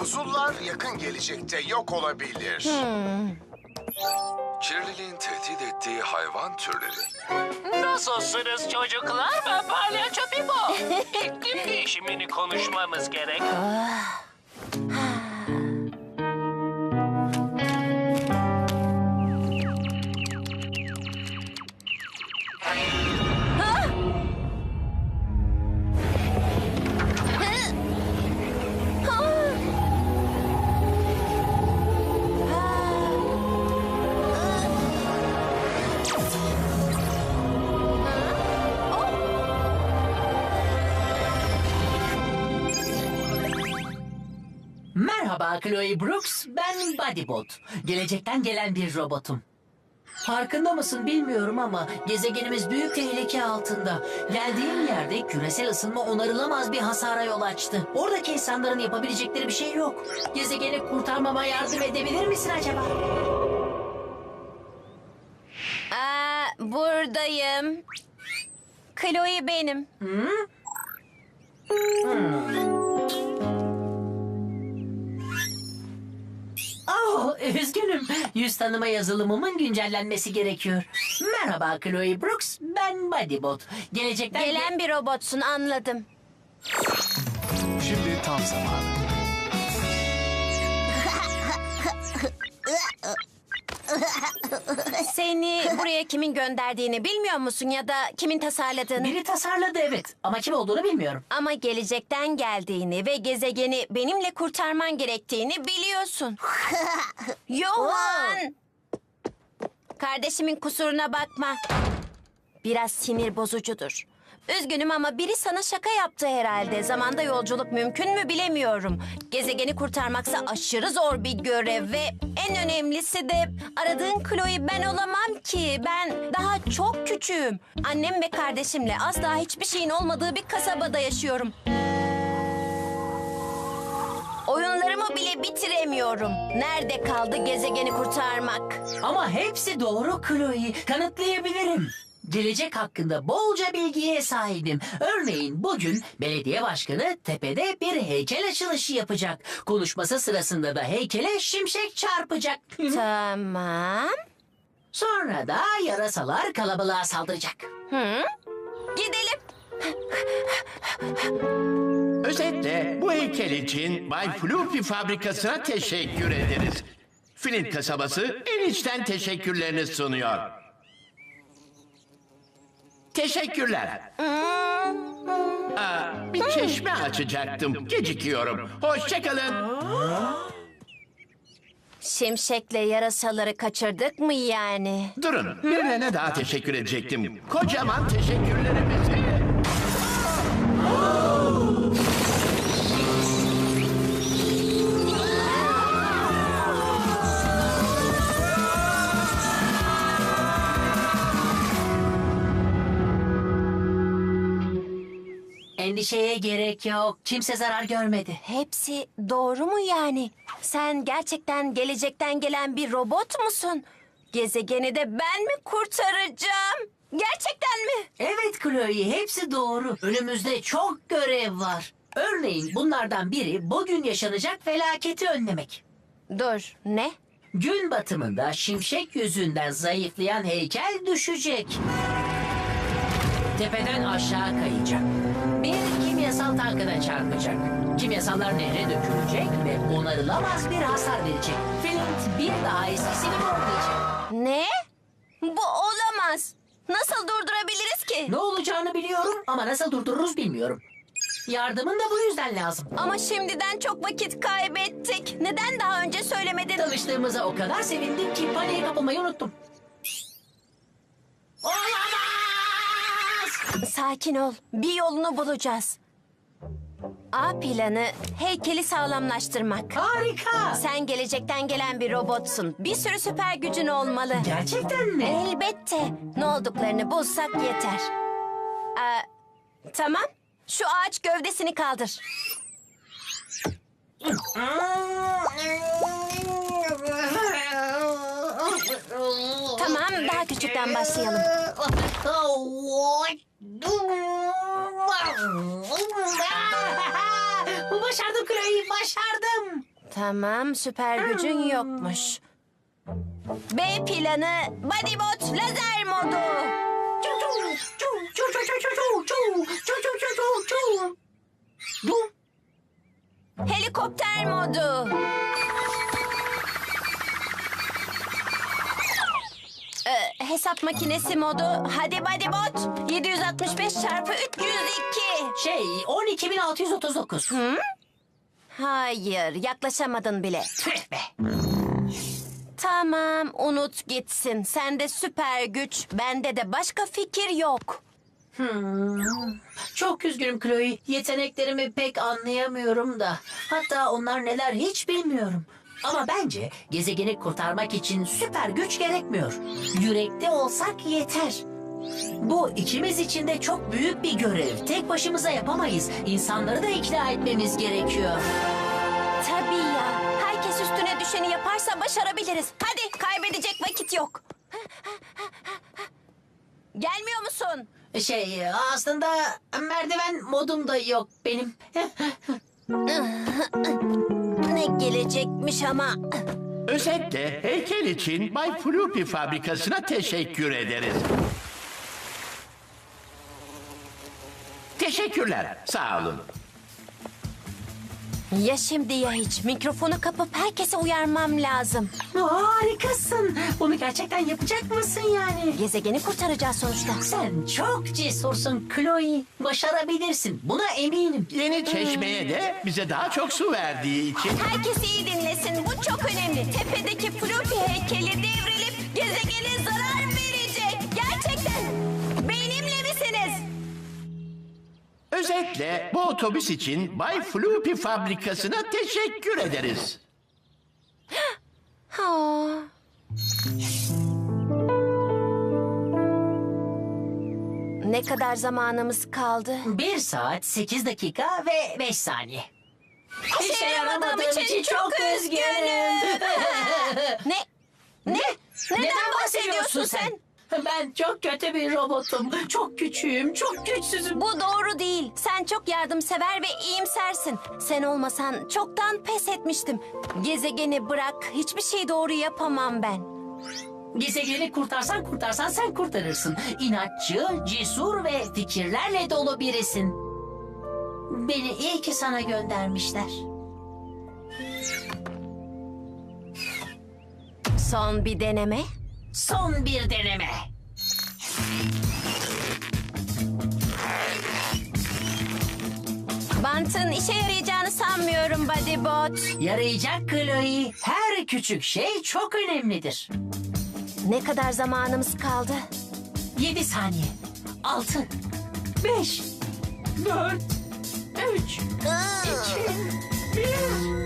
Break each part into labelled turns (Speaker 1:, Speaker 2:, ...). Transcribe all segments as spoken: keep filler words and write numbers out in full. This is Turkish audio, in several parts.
Speaker 1: buzullar yakın gelecekte yok olabilir.
Speaker 2: Kirliliğin tehdit ettiği hayvan türleri.
Speaker 3: Nasılsınız çocuklar? Ben Palyaço Bibo. İklim değişimini konuşmamız gerek.
Speaker 4: Merhaba Chloe Brooks, ben Bodybot. Gelecekten gelen bir robotum. Farkında mısın bilmiyorum ama gezegenimiz büyük tehlike altında. Geldiğim yerde küresel ısınma onarılamaz bir hasara yol açtı. Oradaki insanların yapabilecekleri bir şey yok. Gezegeni kurtarmama yardım edebilir misin acaba?
Speaker 5: Aa, buradayım. Chloe benim.
Speaker 4: Oh, üzgünüm. Yüz tanıma yazılımımın güncellenmesi gerekiyor. Merhaba Chloe Brooks, ben Bodybot. Gelecekten...
Speaker 5: Gelen bir robotsun, anladım.
Speaker 2: Şimdi tam zamanı.
Speaker 5: Seni buraya kimin gönderdiğini bilmiyor musun ya da kimin tasarladığını?
Speaker 4: Biri tasarladı evet ama kim olduğunu bilmiyorum.
Speaker 5: Ama gelecekten geldiğini ve gezegeni benimle kurtarman gerektiğini biliyorsun. Johan! Kardeşimin kusuruna bakma. Biraz sinir bozucudur. Üzgünüm ama biri sana şaka yaptı herhalde. Zamanda yolculuk mümkün mü bilemiyorum. Gezegeni kurtarmaksa aşırı zor bir görev ve en önemlisi de aradığın Chloe ben olamam ki. Ben daha çok küçüğüm. Annem ve kardeşimle asla hiçbir şeyin olmadığı bir kasabada yaşıyorum. Oyunlarımı bile bitiremiyorum. Nerede kaldı gezegeni kurtarmak?
Speaker 4: Ama hepsi doğru Chloe. Kanıtlayabilirim. Gelecek hakkında bolca bilgiye sahibim. Örneğin bugün belediye başkanı tepede bir heykel açılışı yapacak. Konuşması sırasında da heykele şimşek çarpacak.
Speaker 5: Tamam.
Speaker 4: Sonra da yarasalar kalabalığa saldıracak.
Speaker 5: Hı? Gidelim.
Speaker 6: Özetle bu heykel için Bay Floopy fabrikasına teşekkür ederiz. Flint kasabası en içten teşekkürlerini sunuyor. Teşekkürler. Aa, bir çeşme açacaktım. Gecikiyorum. Hoşçakalın.
Speaker 5: Şimşekle yarasaları kaçırdık mı yani?
Speaker 6: Durun, birilerine daha teşekkür edecektim. Kocaman teşekkürlerimizi.
Speaker 4: Endişeye gerek yok. Kimse zarar görmedi.
Speaker 5: Hepsi doğru mu yani? Sen gerçekten gelecekten gelen bir robot musun? Gezegeni de ben mi kurtaracağım? Gerçekten mi?
Speaker 4: Evet Chloe, hepsi doğru. Önümüzde çok görev var. Örneğin bunlardan biri bugün yaşanacak felaketi önlemek.
Speaker 5: Dur, ne?
Speaker 4: Gün batımında şimşek yüzünden zayıflayan heykel düşecek. Tepeden aşağı kayacak. Bir kimyasal tankına çarpacak. Kimyasallar nehre dökülecek ve onarılamaz bir hasar verecek. Flint bir daha eskisi gibi olmayacak.
Speaker 5: Ne? Bu olamaz. Nasıl durdurabiliriz ki?
Speaker 4: Ne olacağını biliyorum ama nasıl durdururuz bilmiyorum. Yardımın da bu yüzden lazım.
Speaker 5: Ama şimdiden çok vakit kaybettik. Neden daha önce söylemedin?
Speaker 4: Tanıştığımıza o kadar sevindim ki paniğe kapılmayı unuttum. Olamaz!
Speaker 5: Sakin ol. Bir yolunu bulacağız. A planı heykeli sağlamlaştırmak.
Speaker 4: Harika!
Speaker 5: Sen gelecekten gelen bir robotsun. Bir sürü süper gücün olmalı.
Speaker 4: Gerçekten mi?
Speaker 5: Elbette. Ne olduklarını bulsak yeter. Aa, tamam. Şu ağaç gövdesini kaldır. Tamam, daha küçükten başlayalım.
Speaker 4: Başardım Chloe, başardım.
Speaker 5: Tamam, süper gücün yokmuş. B planı, Bodybot lazer modu.
Speaker 4: Bu
Speaker 5: Helikopter modu. Ee, hesap makinesi modu. Hadi Bodybot. yedi yüz altmış beş çarpı üç yüz iki.
Speaker 4: şey on iki bin altı yüz otuz dokuz.
Speaker 5: Hayır, yaklaşamadın bile.
Speaker 4: Tüh be.
Speaker 5: Tamam, unut gitsin. Sende süper güç, bende de başka fikir yok.
Speaker 4: Hmm. Çok üzgünüm Chloe. Yeteneklerimi pek anlayamıyorum da. Hatta onlar neler hiç bilmiyorum. Ama bence gezegeni kurtarmak için süper güç gerekmiyor. Yürekte olsak yeter. Bu ikimiz için de çok büyük bir görev. Tek başımıza yapamayız. İnsanları da ikna etmemiz gerekiyor.
Speaker 5: Tabii ya. Herkes üstüne düşeni yaparsa başarabiliriz. Hadi, kaybedecek vakit yok. Gelmiyor musun?
Speaker 4: Şey aslında merdiven modum da yok benim.
Speaker 5: Ne gelecekmiş ama.
Speaker 6: Özetle heykel için Bay Floopy fabrikasına teşekkür ederiz. Teşekkürler, sağ olun.
Speaker 5: Ya şimdi ya hiç. Mikrofonu kapıp herkese uyarmam lazım.
Speaker 4: Harikasın. Bunu gerçekten yapacak mısın yani?
Speaker 5: Gezegeni kurtaracağız sonuçta.
Speaker 4: Sen çok cesursun Chloe. Başarabilirsin. Buna eminim.
Speaker 6: Yeni çeşmeye de bize daha çok su verdiği için
Speaker 5: Herkes iyi dinlesin. Bu çok önemli. Tepedeki Floopy heykeli devrilip gezegene zarar verecek. Gerçekten. Benimle misiniz?
Speaker 6: özetle bu otobüs için Bay Floopy fabrikasına teşekkür ederiz.
Speaker 5: Ha. Ne kadar zamanımız kaldı?
Speaker 4: Bir saat sekiz dakika ve beş saniye.
Speaker 5: İşe yaramadığım için çok üzgünüm. Ne? Ne? Neden bahsediyorsun sen?
Speaker 4: Ben çok kötü bir robotum. Çok küçüğüm, çok güçsüzüm.
Speaker 5: Bu doğru değil. Sen çok yardımsever ve iyimsersin. Sen olmasan çoktan pes etmiştim. Gezegeni bırak. Hiçbir şey doğru yapamam ben.
Speaker 4: Gezegeni kurtarsan kurtarsan sen kurtarırsın. İnatçı, cesur ve fikirlerle dolu birisin. Beni iyi ki sana göndermişler.
Speaker 5: Son bir deneme.
Speaker 4: Son bir deneme.
Speaker 5: Bantın işe yarayacağını sanmıyorum Bodybot.
Speaker 4: Yarayacak Chloe. Her küçük şey çok önemlidir.
Speaker 5: Ne kadar zamanımız kaldı?
Speaker 4: Yedi saniye. Altı. Beş. Dört. Üç. İki. Bir.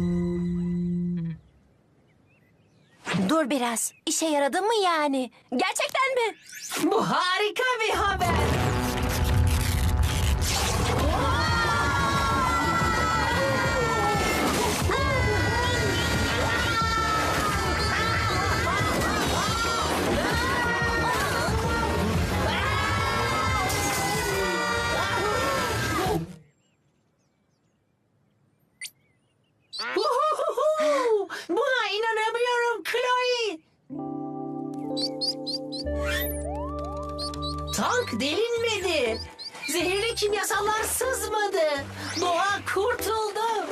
Speaker 5: Dur biraz. İşe yaradı mı yani? Gerçekten mi?
Speaker 4: Bu harika bir haber. Uhuhuhu! Buna inanamıyorum Chloe. Tank delinmedi. Zehirli kimyasallar sızmadı. Doğa kurtuldu.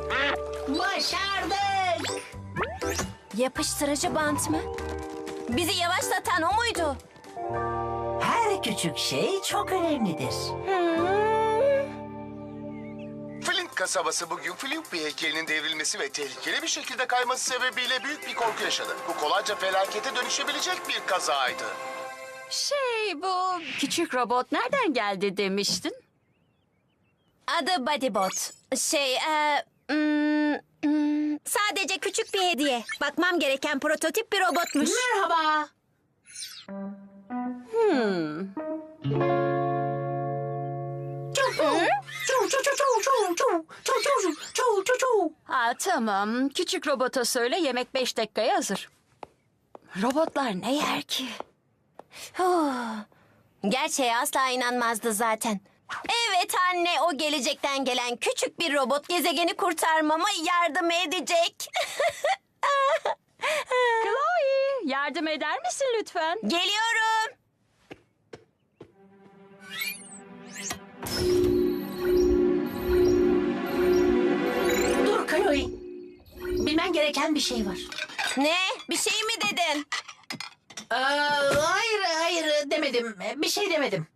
Speaker 4: Başardık.
Speaker 5: Yapıştırıcı bant mı? Bizi yavaşlatan o muydu?
Speaker 4: Her küçük şey çok önemlidir.
Speaker 1: Flint kasabası bugün Floopy heykelinin devrilmesi ve tehlikeli bir şekilde kayması sebebiyle büyük bir korku yaşadı. Bu kolayca felakete dönüşebilir bir kazaydı.
Speaker 7: Şey bu küçük robot nereden geldi demiştin?
Speaker 5: Adı Bodybot. Şey, e, hmm, hmm, sadece küçük bir hediye. Bakmam gereken prototip bir robotmuş.
Speaker 4: Merhaba.
Speaker 7: Hmm. Ha tamam. Küçük robota söyle yemek beş dakikaya hazır. Robotlar ne yer ki?
Speaker 5: Huh. Gerçeğe asla inanmazdı zaten. Evet anne, o gelecekten gelen küçük bir robot gezegeni kurtarmama yardım edecek.
Speaker 7: Chloe, yardım eder misin lütfen?
Speaker 5: Geliyorum.
Speaker 4: Dur Chloe. Bilmen gereken bir şey var.
Speaker 5: Ne? Bir şey mi dedin?
Speaker 4: Aa, hayır hayır demedim. Bir şey demedim.